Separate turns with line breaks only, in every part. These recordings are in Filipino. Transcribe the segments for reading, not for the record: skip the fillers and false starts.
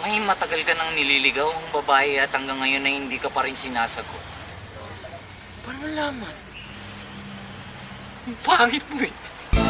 May matagal ka nang nililigaw ang babae at hanggang ngayon ay hindi ka pa rin sinasagot. Paano malaman? Ang pangit mo eh.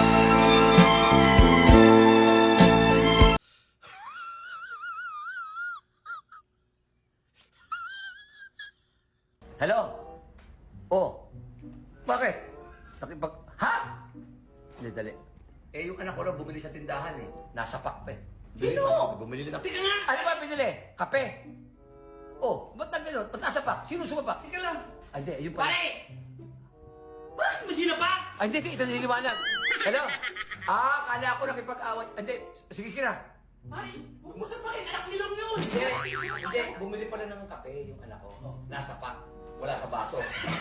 Hello? Oh. Bakit? Ha? Hindi, dali. Eh, yung anak ko raw bumili sa tindahan eh. Nasa pack pa eh.
Sino?
Bumili na.
Teka nga!
Ano ba binili? Kape. Oh, ba't nagano? Ba't nasa pack? Sino sumapak?
Teka lang!
Ay, hindi, yun pala.
Pare! Bakit mo sinapak?
Ay, hindi, ito nililiwanag. Hello? Kala ko nakipag-away. Hindi, sige na.
Pare, huwag mo sapakin, anak nilang yun!
Hindi, bumili pala ng kape yung anak ko. Oh, nasa pack. Wala sa baso.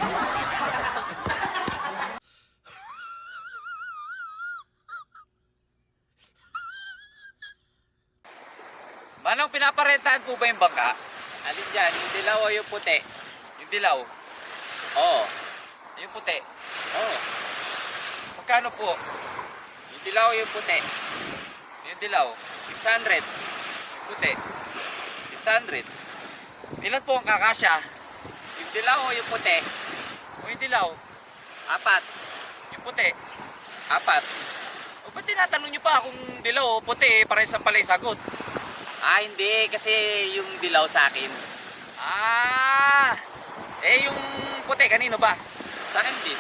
Manong, pinaparentahan po ba yung bangka? Alin dyan? Yung dilaw o yung puti? Yung dilaw? Oo. Yung puti? Oo. Magkano po? Yung dilaw o yung puti? Yung dilaw? 600. Yung puti? 600. Ilan po ang kakasya? Yung dilaw o yung puti? O yung dilaw? 4. Yung puti? 4. O ba't tinatanong nyo pa kung dilaw o puti? Parehas ang pala yung sagot. Hindi. Kasi yung dilaw sa akin. Yung puti, kanino ba? Sa akin din.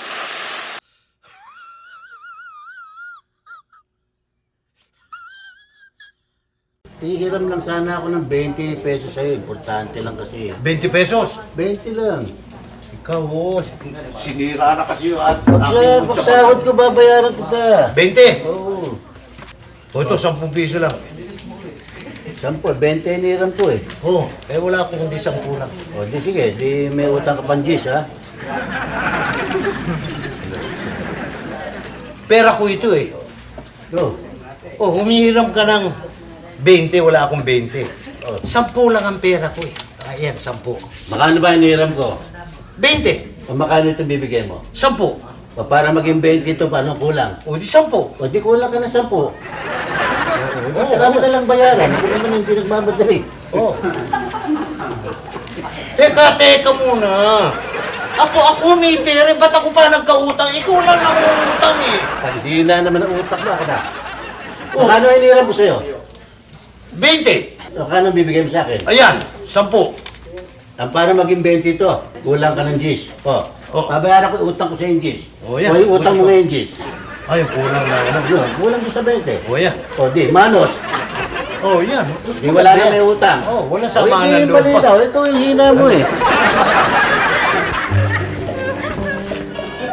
Hihiram lang sana ako ng 20 pesos sa'yo. Importante lang kasi.
20 pesos.
20 lang.
Ikaw, sinira na kasi yung
Pagsahod ko, babayaran kita.
20?
Oo.
O ito, 10 piso lang.
10, 20 hiniram ko eh.
Oo, wala akong kundi 10 lang.
O di sige, di may utang ka pang G's ha.
Pera ko ito eh.
Go.
O, humihiram ka ng 20, wala akong 20.
Oh.
10 lang ang pera ko eh. Ayan, 10.
Makano ba hiniram ko?
20.
O makano ito bibigay mo?
10.
O para maging 20 ito, paano kulang?
O, di 10.
O di kulang ka ng 10. Oo. Saka mo na lang bayaran. Ako naman hindi nagmamadali.
Oh. Teka muna. Ako may pera. Ba't ako pa nagkautang? Ikaw lang nangungutang eh.
Hindi na naman ang utak mo ako na.
Oh.
Makano hiniram ko sa'yo?
20.
O kano bibigay mo sa akin?
Ayan, 10.
Ang para maging 20 ito, kulang ka ng G's. O, babayaran ko, utang ko sa yung G's.
O, yan.
O yung utang mo ngayon G's.
Ay, kulang na ano.
Yun, kulang ko sa 20.
O, yan.
O di, manos.
Oh, yan.
Di wala na may utang.
Oh, wala samahan ng
loob.
loob pa.
Ito yung hina mo eh.